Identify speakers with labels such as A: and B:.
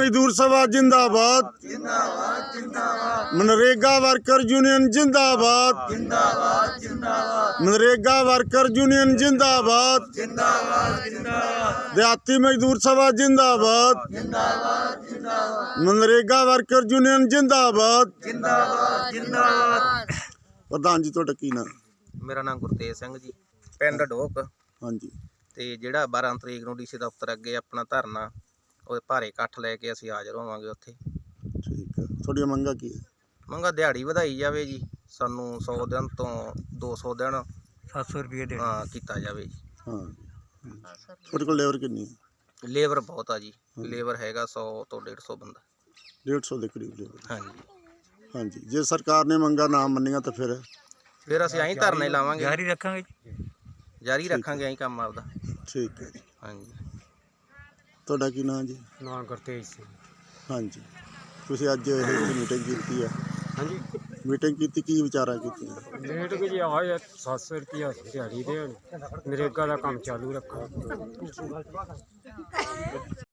A: मजदूर सभा जिंदाबाद, मनरेगा वर्कर यूनियन जिंदाबाद, मनरेगा वर्कर यूनियन जिंदाबाद, देहाती मजदूर सभा जिंदाबाद, मनरेगा वर्कर यूनियन जिंदाबाद। प्रधान जी तुहाडा की नाम?
B: मेरा नाम गुरतेज सिंह जी, पिंड ढोक।
A: हाँ जी।
B: ਤੇ ਜਿਹੜਾ 12 ਤਰੀਕ ਨੂੰ ਡੀਸੀ ਦਫ਼ਤਰ ਅੱਗੇ ਆਪਣਾ ਧਰਨਾ ਉਹਦੇ ਭਾਰੇ ਇਕੱਠ ਲੈ ਕੇ ਅਸੀਂ ਹਾਜ਼ਰ ਹੋਵਾਂਗੇ ਉੱਥੇ।
A: ਠੀਕ ਹੈ, ਤੁਹਾਡੀਆਂ ਮੰਗਾਂ ਕੀ ਹੈ?
B: ਮੰਗਾ ਦਿਹਾੜੀ ਵਧਾਈ ਜਾਵੇ ਜੀ, ਸਾਨੂੰ 100 ਦਿਨ ਤੋਂ 200 ਦਿਨ
C: 700 ਰੁਪਏ ਦੇ
B: ਹਾਂ ਕੀਤਾ ਜਾਵੇ ਜੀ।
A: ਹਾਂ, ਤੁਹਾਡੇ ਕੋਲ ਲੇਬਰ ਕਿੰਨੀ ਹੈ?
B: ਲੇਬਰ ਬਹੁਤ ਆ ਜੀ, ਲੇਬਰ ਹੈਗਾ 100 ਤੋਂ 150 ਬੰਦਾ।
A: 150 ਦੇ ਕਰੀਬ ਲੇਬਰ।
B: ਹਾਂਜੀ
A: ਹਾਂਜੀ, ਜੇ ਸਰਕਾਰ ਨੇ ਮੰਗਾਂ ਨਾ ਮੰਨੀਆਂ ਤਾਂ ਫਿਰ
B: ਅਸੀਂ ਐਂ ਧਰਨੇ ਲਾਵਾਂਗੇ,
C: ਜਾਰੀ ਰੱਖਾਂਗੇ
B: ਜਾਰੀ ਰੱਖਾਂਗੇ ਐਂ ਕੰਮ ਆਪਦਾ।
A: ਠੀਕ ਹੈ ਜੀ।
B: ਹਾਂਜੀ,
A: ਤੁਹਾਡਾ ਕੀ ਨਾਮ ਜੀ?
C: ਨਾਮ ਗੁਰਤੇਜ ਸਿੰਘ।
A: ਹਾਂਜੀ, ਤੁਸੀਂ ਅੱਜ ਇਹ ਮੀਟਿੰਗ ਕੀਤੀ ਹੈ?
C: ਹਾਂਜੀ,
A: ਮੀਟਿੰਗ ਕੀਤੀ, ਕੀ ਵਿਚਾਰਾਂ ਕੀਤੀਆਂ?
C: ਲੇਟ ਕਿ ਜੀ ਆਏ 700 ਰੁਪਇਆ ਦਿਹਾੜੀ ਦੇਣ, ਨਰੇਗਾ ਦਾ ਕੰਮ ਚਾਲੂ ਰੱਖੋ।